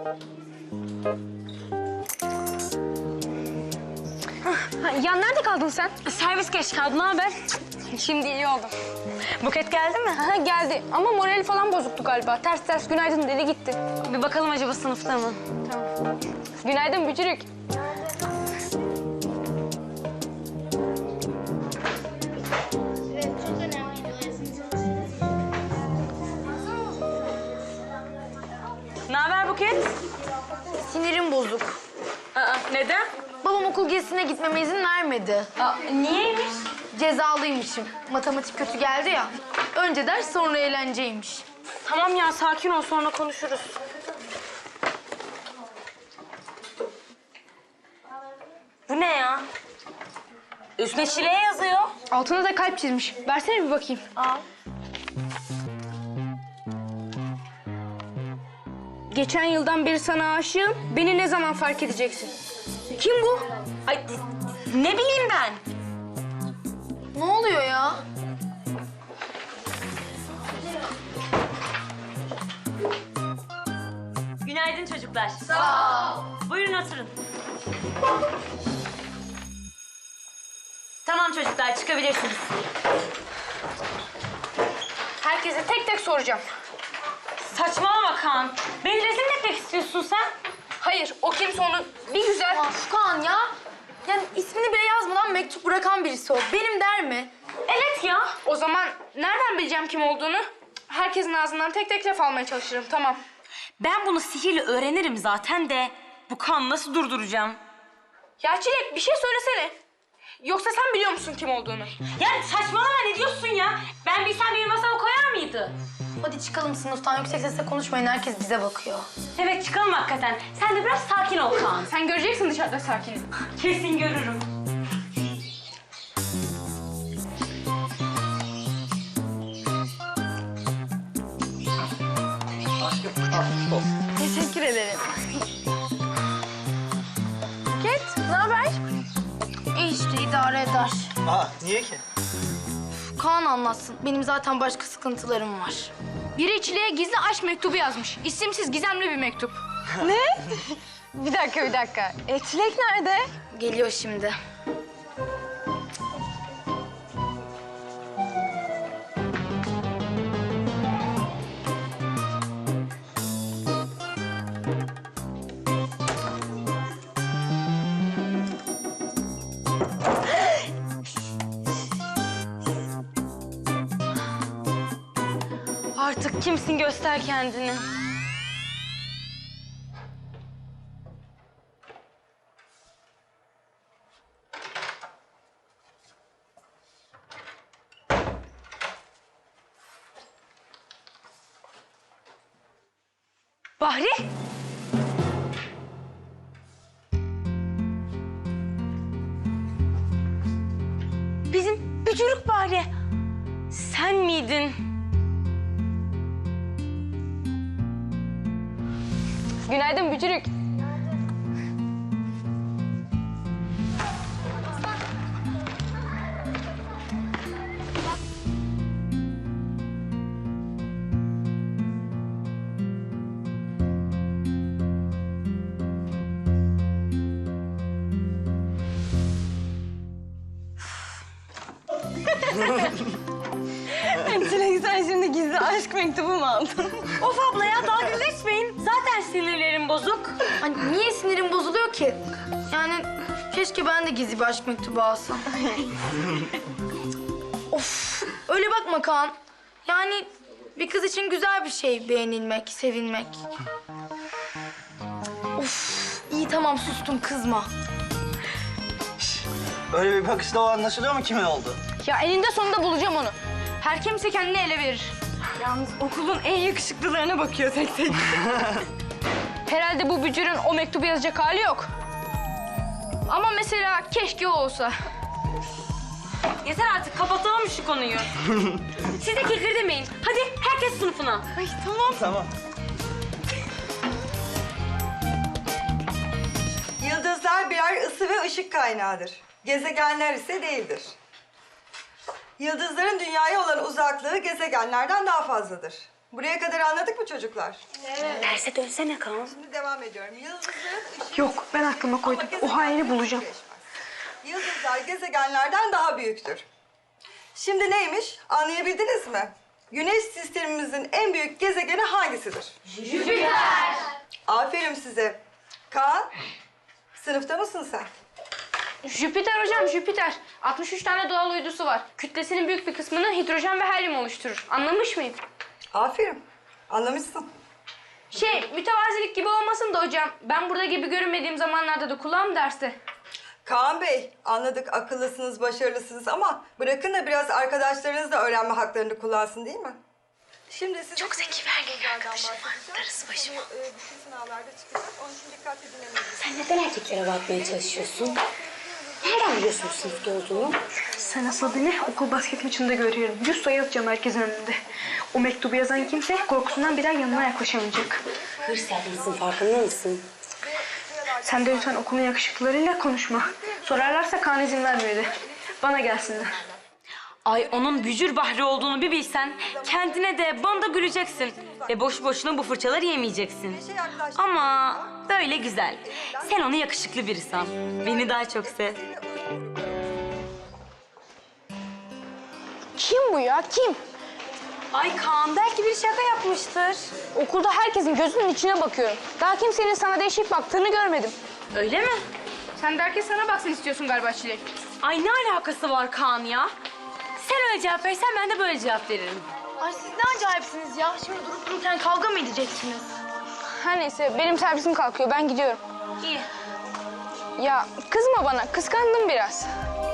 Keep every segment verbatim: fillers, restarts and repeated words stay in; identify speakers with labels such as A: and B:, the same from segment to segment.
A: Ya nerede kaldın sen?
B: Servis geç kaldı. Ne haber?
A: Şimdi iyi oldum.
B: Buket geldi mi?
A: Ha, geldi ama morali falan bozuktu galiba. Ters ters günaydın dedi gitti.
B: Bir bakalım acaba sınıfta mı?
A: Tamam. Günaydın Bücürük.
B: Ne haber Buket?
A: Sinirim bozuk.
B: Aa, neden?
A: Babam okul gezisine gitmeme izin vermedi.
B: Aa, niyeymiş?
A: Cezalıymışım. Matematik kötü geldi ya. Önce ders sonra eğlenceymiş.
B: Tamam ya, sakin ol, sonra konuşuruz. Bu ne ya? Üstüne çileğe yazıyor.
A: Altına da kalp çizmiş. Versene bir bakayım.
B: Al.
A: Geçen yıldan beri sana aşığım. Beni ne zaman fark edeceksin? Kim bu?
B: Ay, ne bileyim ben?
A: Ne oluyor ya?
B: Günaydın çocuklar. Sağ ol. Buyurun oturun. Tamam çocuklar, çıkabilirsiniz.
A: Herkese tek tek soracağım.
B: Saçmalama Kaan. Beni rezil mi etmek istiyorsun sen?
A: Hayır, o kimse onu bir güzel... Kaan ya. Yani ismini bile yazmadan mektup bırakan birisi o. Benim der mi?
B: Evet ya.
A: O zaman nereden bileceğim kim olduğunu? Herkesin ağzından tek tek laf almaya çalışırım, tamam.
B: Ben bunu sihirle öğrenirim zaten de bu kan nasıl durduracağım?
A: Ya Çilek bir şey söylesene. Yoksa sen biliyor musun kim olduğunu?
B: Ya saçmalama, ne diyorsun ya? Ben bilsem benim masama koyar mıydı?
A: Hadi çıkalım sınıftan, yüksek sesle konuşmayın. Herkes bize bakıyor.
B: Evet, çıkalım hakikaten. Sen de biraz sakin ol Kaan.
A: Sen göreceksin dışarıda sakin.
B: Kesin görürüm.
A: Teşekkür ederim. Buket, ne haber? İyi işte, idare eder.
C: Aa, niye ki?
A: Kaan anlatsın. Benim zaten başka sıkıntılarım var. Biri Çilek'e gizli aşk mektubu yazmış. İsimsiz, gizemli bir mektup.
D: Ne? Bir dakika, bir dakika. E, Çilek nerede?
A: Geliyor şimdi.
B: Artık kimsin, göster kendini. Bahri? Bizim Bücürük Bahri. Sen miydin?
A: Günaydın Bücürük.
D: Çilek sen şimdi gizli aşk mektubu mu aldın?
B: Of abla ya, dalga geçmeyin. Zaten sinirlerim bozuk.
A: Hani niye sinirim bozuluyor ki? Yani keşke ben de gizli bir aşk mektubu alsam. Of, öyle bakma Kaan. Yani bir kız için güzel bir şey beğenilmek, sevilmek. Of, iyi tamam sustum, kızma.
C: Öyle bir bakışla o anlaşılıyor mu kimin oldu?
A: Ya eninde sonunda bulacağım onu. Her kimse kendini ele verir.
D: Yalnız okulun en yakışıklılarına bakıyor tek tek.
A: Herhalde bu bücürün o mektubu yazacak hali yok. Ama mesela keşke o olsa.
B: Yeter artık, kapatalım şu konuyu. Siz de kekir demeyin. Hadi herkes sınıfına.
D: Ay tamam.
C: Tamam.
E: Yıldızlar birer ısı ve ışık kaynağıdır. Gezegenler ise değildir. Yıldızların dünyaya olan uzaklığı gezegenlerden daha fazladır. Buraya kadar anladık mı çocuklar?
B: Derse dönsene Kaan.
E: Şimdi devam ediyorum. Yıldızın ışığı...
D: Yok, ben aklıma koydum.
E: Ama
D: O haini
E: gezegenler
D: bulacağım.
E: birleşmez. Yıldızlar gezegenlerden daha büyüktür. Şimdi neymiş? Anlayabildiniz mi? Güneş sistemimizin en büyük gezegeni hangisidir? Jüpiter. Aferin size. Kaan, sınıfta mısın sen?
A: Jüpiter hocam, Jüpiter. altmış üç tane doğal uydusu var. Kütlesinin büyük bir kısmını hidrojen ve helyum oluşturur. Anlamış mıyım?
E: Aferin. Anlamışsın.
A: Şey, mütevazilik gibi olmasın da hocam. Ben burada gibi görünmediğim zamanlarda da kulağım derste.
E: Kaan Bey, anladık akıllısınız, başarılısınız ama bırakın da biraz arkadaşlarınız da öğrenme haklarını kullansın değil mi? Şimdi size çok zeki ve erkek arkadaşım var. Darısı başıma. Bu, e, bütün sınavlarda çıkacak. Onun için dikkatli dinlemeliyiz.
B: Sen neden erkeklere bakmaya çalışıyorsun? Nereden biliyorsun sınıfta olduğunu?
D: Sen asıl beni okul basket maçında görüyorum. Yüz sayı atacağım herkesin önünde. O mektubu yazan kimse korkusundan bir daha yanına yaklaşamayacak.
B: Hırs yapmışsın, farkında mısın?
D: Sen de lütfen okulun yakışıklılarıyla konuşma. Sorarlarsa Kaan izin vermiyor de. Bana gelsinler.
B: Ay onun bücür bahri olduğunu bir bilsen kendine de bana da güleceksin. Ve boş boşuna bu fırçaları yemeyeceksin. Ama böyle güzel. Sen onu yakışıklı biri san. Beni daha çok sev.
A: Kim bu ya, kim?
B: Ay Kaan belki bir şaka yapmıştır.
A: Okulda herkesin gözünün içine bakıyorum. Daha kimsenin sana değişik baktığını görmedim.
B: Öyle mi?
A: Sen de herkes sana baksın istiyorsun galiba Çilek.
B: Ay ne alakası var Kaan ya? Sen öyle cevap verirsen ben de böyle cevap veririm.
A: Ay siz ne acayipsiniz ya. Şimdi durup dururken kavga mı edeceksiniz? Her neyse benim servisim kalkıyor. Ben gidiyorum.
B: İyi.
A: Ya kızma bana. Kıskandım biraz.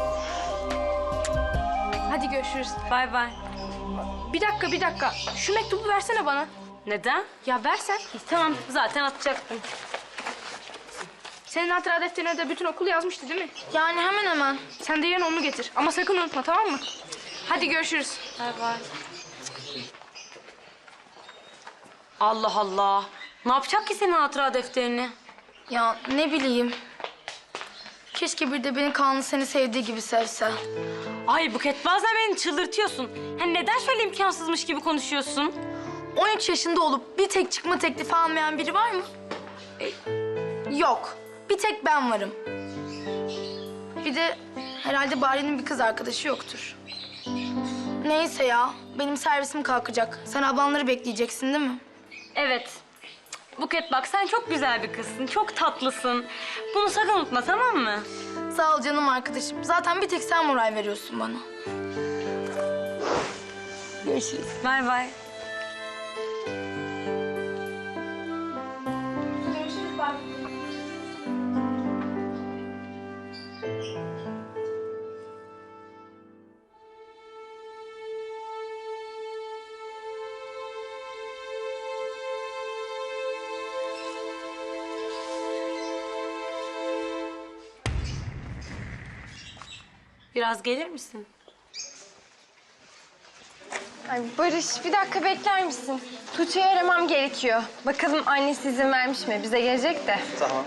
A: Hadi görüşürüz.
B: Bay bay.
A: Bir dakika bir dakika. Şu mektubu versene bana.
B: Neden?
A: Ya versen.
B: İyi, tamam zaten atacaktım.
A: Senin hatıra defterine de bütün okul yazmıştı değil mi? Yani hemen hemen. Sen de yarın onu getir. Ama sakın unutma tamam mı? Hadi görüşürüz.
B: Bay bay. Allah Allah. Ne yapacak ki senin hatıra defterini?
A: Ya ne bileyim. Keşke bir de beni Kaan'ın seni sevdiği gibi sevse.
B: Ay Buket bazen beni çıldırtıyorsun. Yani neden şöyle imkansızmış gibi konuşuyorsun?
A: on üç yaşında olup bir tek çıkma teklifi almayan biri var mı? E, yok. Bir tek ben varım. Bir de herhalde Bari'nin bir kız arkadaşı yoktur. Neyse ya. Benim servisim kalkacak. Sen ablanları bekleyeceksin değil mi?
B: Evet. Buket bak sen çok güzel bir kızsın. Çok tatlısın. Bunu sakın unutma tamam mı?
A: Sağ ol canım arkadaşım. Zaten bir tek sen moral veriyorsun bana.
B: Görüşürüz. Bay bay.
A: Görüşürüz Bari.
B: Biraz gelir misin?
D: Ay Barış, bir dakika bekler misin? Tuğçe'yi aramam gerekiyor. Bakalım annesi izin vermiş mi? Bize gelecek de.
C: Tamam.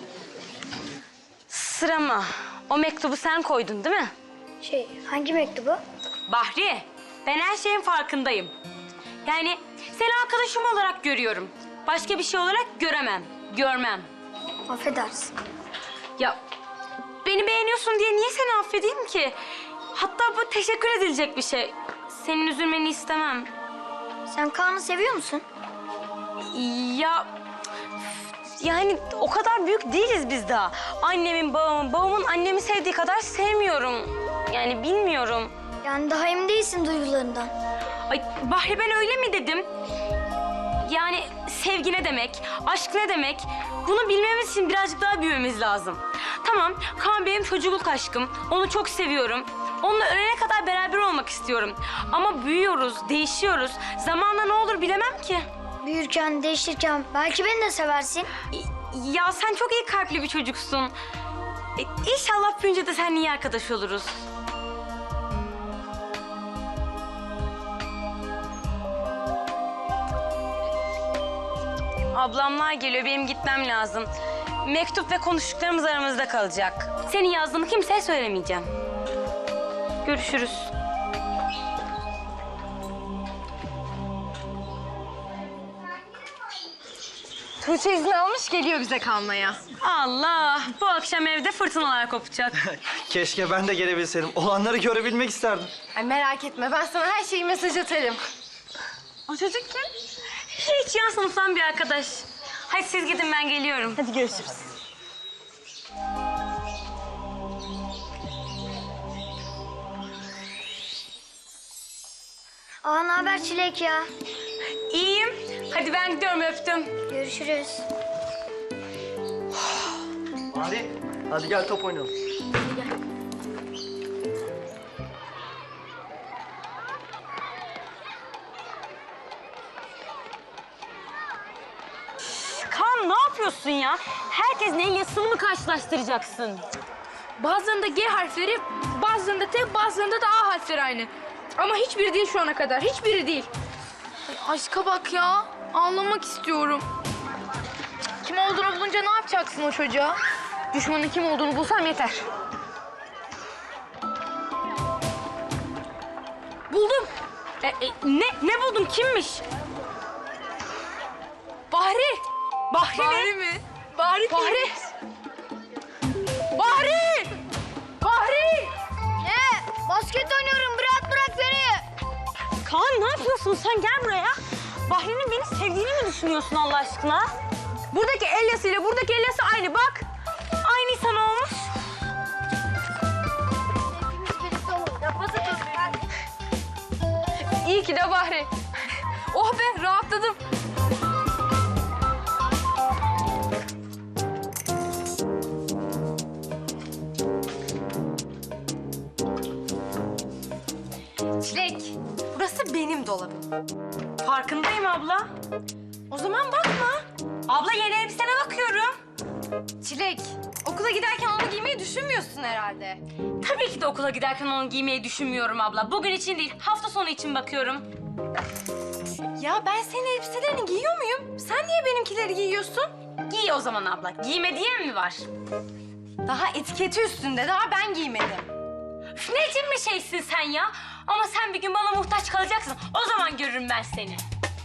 B: Sırama. O mektubu sen koydun değil mi?
F: Şey, hangi mektubu?
B: Bahri, ben her şeyin farkındayım. Yani seni arkadaşım olarak görüyorum. Başka bir şey olarak göremem, görmem.
F: Affedersin.
B: Ya beni beğeniyorsun diye niye seni affedeyim ki? Hatta bu teşekkür edilecek bir şey. Senin üzülmeni istemem.
F: Sen Kaan'ı seviyor musun?
B: Ya yani o kadar büyük değiliz biz daha. Annemin, babamın, babamın annemi sevdiği kadar sevmiyorum. Yani bilmiyorum.
F: Yani daha emin değilsin duygularından.
B: Ay Bahri ben öyle mi dedim? Yani sevgi ne demek, aşk ne demek? Bunu bilmemiz için birazcık daha büyümemiz lazım. Tamam, Kaan benim çocukluk aşkım. Onu çok seviyorum. Onunla ölene kadar beraber olmak istiyorum. Ama büyüyoruz, değişiyoruz. Zamanla ne olur bilemem ki.
F: Büyürken, değişirken belki beni de seversin.
B: Ya sen çok iyi kalpli bir çocuksun. E, İnşallah büyünce de seninle iyi arkadaş oluruz. Ablamlar geliyor, benim gitmem lazım. Mektup ve konuştuklarımız aramızda kalacak. Senin yazdığını kimseye söylemeyeceğim. Görüşürüz.
G: Tuğçe izin almış geliyor bize kalmaya.
B: Allah! Bu akşam evde fırtınalar kopacak.
C: Keşke ben de gelebilseydim. Olanları görebilmek isterdim.
G: Ay merak etme ben sana her şeyi mesaj atarım.
B: O çocuk kim? Hiç yan sınıftan bir arkadaş. Hadi siz gidin, ben geliyorum.
G: Hadi görüşürüz.
F: Aa, ne haber Çilek ya?
B: İyiyim. Hadi ben gidiyorum, öptüm.
F: Görüşürüz.
C: Hadi. Hadi gel top oynayalım.
B: Kaan, ne yapıyorsun ya? Herkesin el yazısını mı karşılaştıracaksın?
A: Bazılarında G harfleri, bazılarında T, bazılarında da A harfleri aynı. Ama hiçbiri değil şu ana kadar, hiçbiri değil. Ay, aşka bak ya, ağlamak istiyorum. Kim olduğunu bulunca ne yapacaksın o çocuğa?
G: Düşmanın kim olduğunu bulsam yeter.
B: Buldum. E, e, ne? Ne buldun? Kimmiş?
A: Bahri!
B: Bahri,
A: Bahri
B: mi?
A: mi? Bahri
B: Bahri.
A: Bahri! Bahri!
F: Ne? Basket oynuyorum. Bırak bırak beni.
B: Kaan, ne yapıyorsun sen? Gel buraya. Bahri'nin beni sevdiğini mi düşünüyorsun Allah aşkına?
G: Buradaki el yazısıyla buradaki el yazısı aynı bak.
B: Aynı sana olmuş.
G: İyi ki de Bahri. Oh be rahatladım. Çilek, burası benim dolabım.
B: Farkındayım abla.
G: O zaman bakma.
B: Abla, yeni elbisene bakıyorum.
G: Çilek, okula giderken onu giymeyi düşünmüyorsun herhalde.
B: Tabii ki de okula giderken onu giymeyi düşünmüyorum abla. Bugün için değil, hafta sonu için bakıyorum.
G: Ya ben senin elbiselerini giyiyor muyum? Sen niye benimkileri giyiyorsun?
B: Giy o zaman abla. Giyme diyen mi var?
G: Daha etiketi üstünde, daha ben giymedim.
B: Üf, ne için bir şeysin sen ya? Ama sen bir gün bana muhtaç kalacaksın. O zaman görürüm ben seni.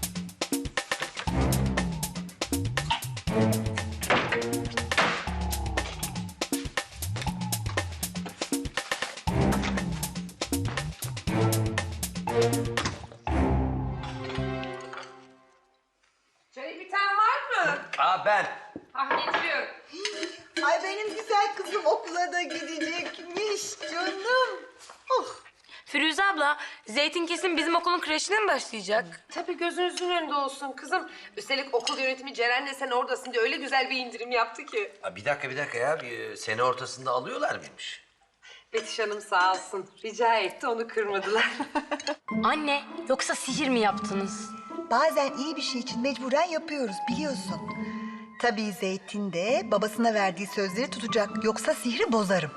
H: Çay bir tane var mı?
I: Aa ben.
H: Ah getiriyorum.
E: Ay benim güzel kızım okula da gidecekmiş canım. Oh.
B: Firuze abla, Zeytin kesin bizim okulun kreşine mi başlayacak?
H: Tabii gözünüzün önünde olsun kızım. Üstelik okul yönetimi Ceren'le sen oradasın diye öyle güzel bir indirim yaptı ki.
I: Aa, bir dakika bir dakika ya. Bir, sene ortasında alıyorlar mıymış?
H: Betüş Hanım sağ olsun. Rica etti, onu kırmadılar.
B: Anne, yoksa sihir mi yaptınız?
J: Bazen iyi bir şey için mecburen yapıyoruz biliyorsun. Tabii Zeytin de babasına verdiği sözleri tutacak. Yoksa sihri bozarım.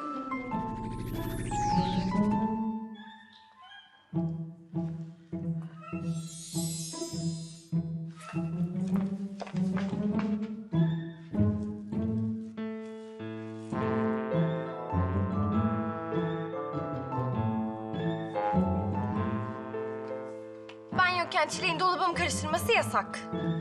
G: Ben yokken Çilek'in dolabımı karıştırması yasak.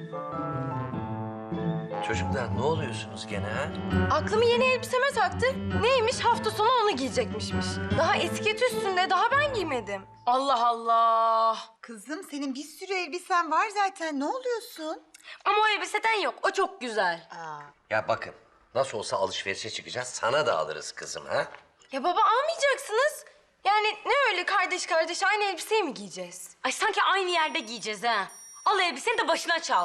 I: Çocuklar ne oluyorsunuz gene ha?
G: Aklımı yeni elbiseme taktı. Neymiş, hafta sonu onu giyecekmişmiş. Daha etiketi üstünde, daha ben giymedim.
B: Allah Allah.
J: Kızım senin bir sürü elbisen var zaten. Ne oluyorsun?
B: Ama o elbiseden yok, o çok güzel.
I: Ya bakın nasıl olsa alışverişe çıkacağız. Sana da alırız kızım ha?
G: Ya baba almayacaksınız. Yani ne öyle kardeş kardeş aynı elbiseyi mi giyeceğiz?
B: Ay sanki aynı yerde giyeceğiz ha. Al elbiseni de başına çal.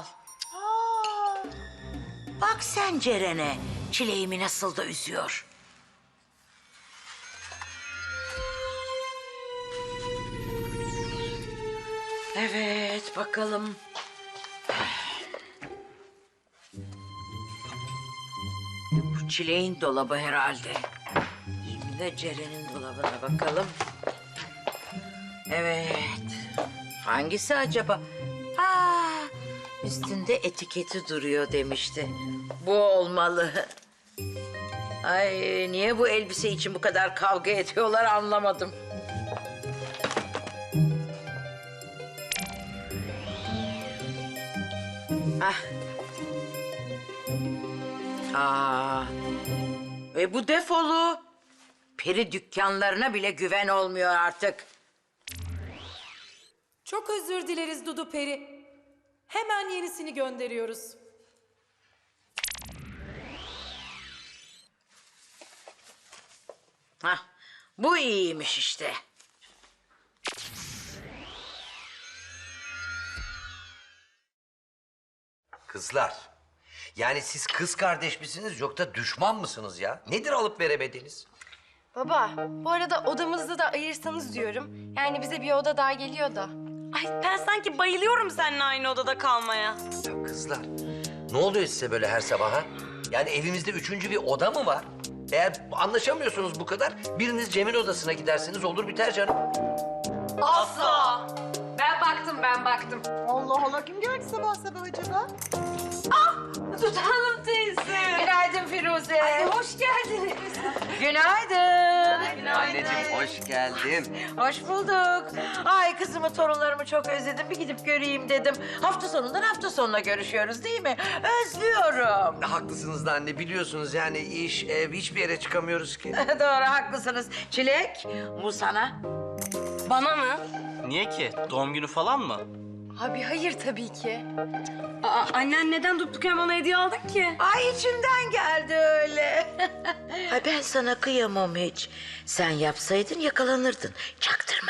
K: Bak sen Ceren'e, çileğimi nasıl da üzüyor. Evet, bakalım. Bu çileğin dolabı herhalde. Şimdi de Ceren'in dolabına bakalım. Evet. Hangisi acaba? Aa, üstünde etiketi duruyor demişti. Bu olmalı. Ay, niye bu elbise için bu kadar kavga ediyorlar anlamadım. Ah, Aa, e bu defolu. Peri dükkanlarına bile güven olmuyor artık.
L: Çok özür dileriz Dudu Peri. Hemen yenisini gönderiyoruz.
K: Hah, bu iyiymiş işte.
I: Kızlar, yani siz kız kardeş misiniz yoksa düşman mısınız ya? Nedir alıp veremediğiniz?
G: Baba, bu arada odamızı da ayırsanız diyorum. Yani bize bir oda daha geliyor da.
B: Ay ben sanki bayılıyorum seninle aynı odada kalmaya.
I: Ya kızlar, ne oluyor size böyle her sabah ha? Yani evimizde üçüncü bir oda mı var? Eğer anlaşamıyorsunuz bu kadar, biriniz Cem'in odasına giderseniz olur biter canım.
H: Asla. Ben baktım, ben baktım.
J: Allah Allah, kim geldi sabah sabah acaba?
B: Dudu Hanım teyze.
K: Günaydın Firuze.
B: Ay, hoş geldiniz.
K: Günaydın.
I: Anneciğim hoş geldin.
K: Hoş bulduk. Ay kızımı, torunlarımı çok özledim. Bir gidip göreyim dedim. Hafta sonundan hafta sonuna görüşüyoruz değil mi? Özlüyorum.
I: Haklısınız da anne, biliyorsunuz yani iş, ev, hiçbir yere çıkamıyoruz ki.
K: Doğru, haklısınız. Çilek, bu sana.
B: Bana mı?
C: Niye ki? Doğum günü falan mı?
G: Abi hayır tabii ki.
B: Aa, annen neden durduk yere bana hediye aldın ki?
K: Ay içimden geldi öyle. Ay ben sana kıyamam hiç. Sen yapsaydın yakalanırdın. Çaktırma.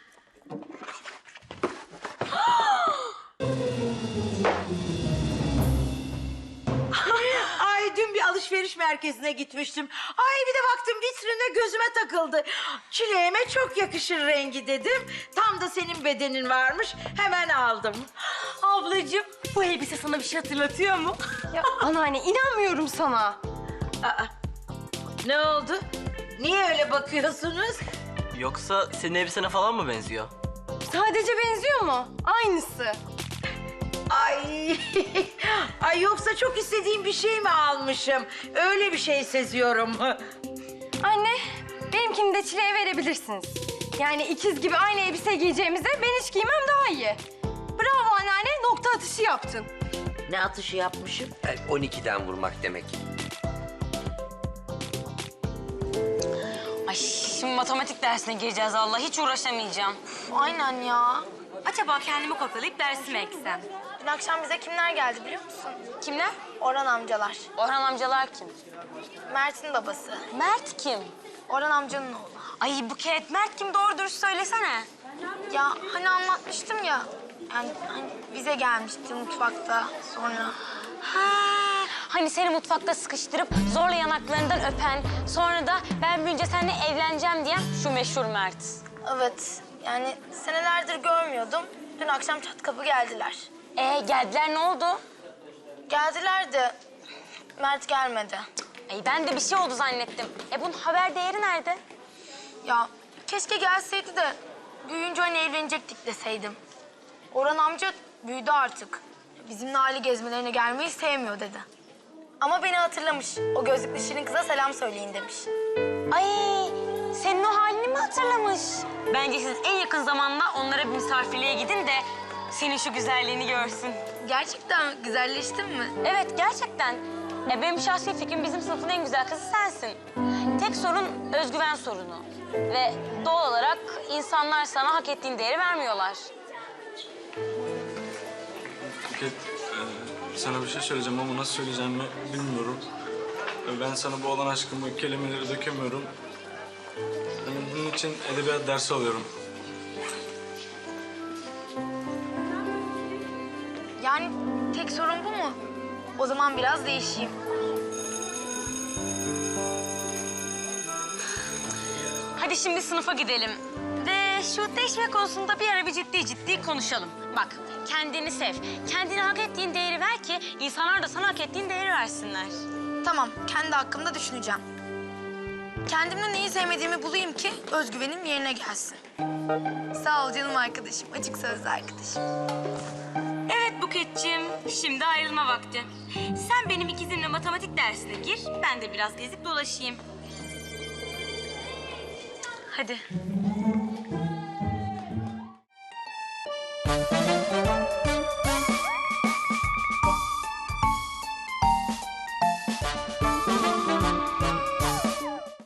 K: Ay dün bir alışveriş merkezine gitmiştim. Ay bir de baktım vitrine gözüme takıldı. Çileğime çok yakışır rengi dedim. Tam da senin bedenin varmış. Hemen aldım.
B: Ablacığım bu elbise sana bir şey hatırlatıyor mu?
G: Ya anneanne inanmıyorum sana.
K: Aa, ne oldu? Niye öyle bakıyorsunuz?
C: Yoksa senin elbisene falan mı benziyor?
G: Sadece benziyor mu? Aynısı.
K: Ay, ay yoksa çok istediğim bir şey mi almışım? Öyle bir şey seziyorum.
G: Anne, benimkini de Çile'ye verebilirsiniz. Yani ikiz gibi aynı elbise giyeceğimize ben hiç giymem daha iyi. Bravo anneanne, nokta atışı yaptın.
K: Ne atışı yapmışım?
I: Yani on ikiden vurmak demek.
B: Ay şimdi matematik dersine gireceğiz Allah. Hiç uğraşamayacağım.
A: Aynen ya.
B: Acaba kendimi kopyalayıp dersime eksem?
A: Dün akşam bize kimler geldi biliyor musun?
B: Kimler?
A: Orhan amcalar.
B: Orhan amcalar kim?
A: Mert'in babası.
B: Mert kim?
A: Orhan amcanın oğlu.
B: Ay Buket, Mert kim? Doğru dürüst söylesene.
A: Ya hani anlatmıştım ya. Yani hani bize gelmişti mutfakta sonra.
B: Ha, hani seni mutfakta sıkıştırıp zorla yanaklarından öpen, sonra da ben büyünce seninle evleneceğim diyen şu meşhur Mert.
A: Evet. Yani senelerdir görmüyordum. Dün akşam çat kapı geldiler.
B: Ee geldiler, ne oldu?
A: Geldiler de Mert gelmedi.
B: Ay ben de bir şey oldu zannettim. E bunun haber değeri nerede?
A: Ya keşke gelseydi de büyüyünce hani evlenecektik deseydim. Orhan amca büyüdü artık. Bizimle aile gezmelerine gelmeyi sevmiyor dedi. Ama beni hatırlamış. O gözlüklü şirin kıza selam söyleyin demiş.
B: Ay senin o halini mi hatırlamış? Bence siz en yakın zamanda onlara bir misafirliğe gidin de senin şu güzelliğini görsün.
A: Gerçekten güzelleştin mi?
B: Evet gerçekten. E benim şahsi fikrim bizim sınıfın en güzel kızı sensin. Tek sorun özgüven sorunu. Ve doğal olarak insanlar sana hak ettiğin değeri vermiyorlar.
M: Buket, e, sana bir şey söyleyeceğim ama nasıl söyleyeceğimi bilmiyorum. E, ben sana bu olan aşkımı kelimeleri dökemiyorum. Yani bunun için edebiyat dersi alıyorum.
A: Yani tek sorun bu mu? O zaman biraz değişeyim.
B: Hadi şimdi sınıfa gidelim. Ve şu değişme konusunda bir ara bir ciddi ciddi konuşalım. Bak kendini sev. Kendine hak ettiğin değeri ver ki insanlar da sana hak ettiğin değeri versinler.
A: Tamam, kendi hakkımda düşüneceğim. Kendimde neyi sevmediğimi bulayım ki özgüvenim yerine gelsin. Sağ ol canım arkadaşım, açık sözlü arkadaşım.
B: Evet Buketciğim, şimdi ayrılma vakti. Sen benim ikizimle matematik dersine gir, ben de biraz gezip dolaşayım. Hadi.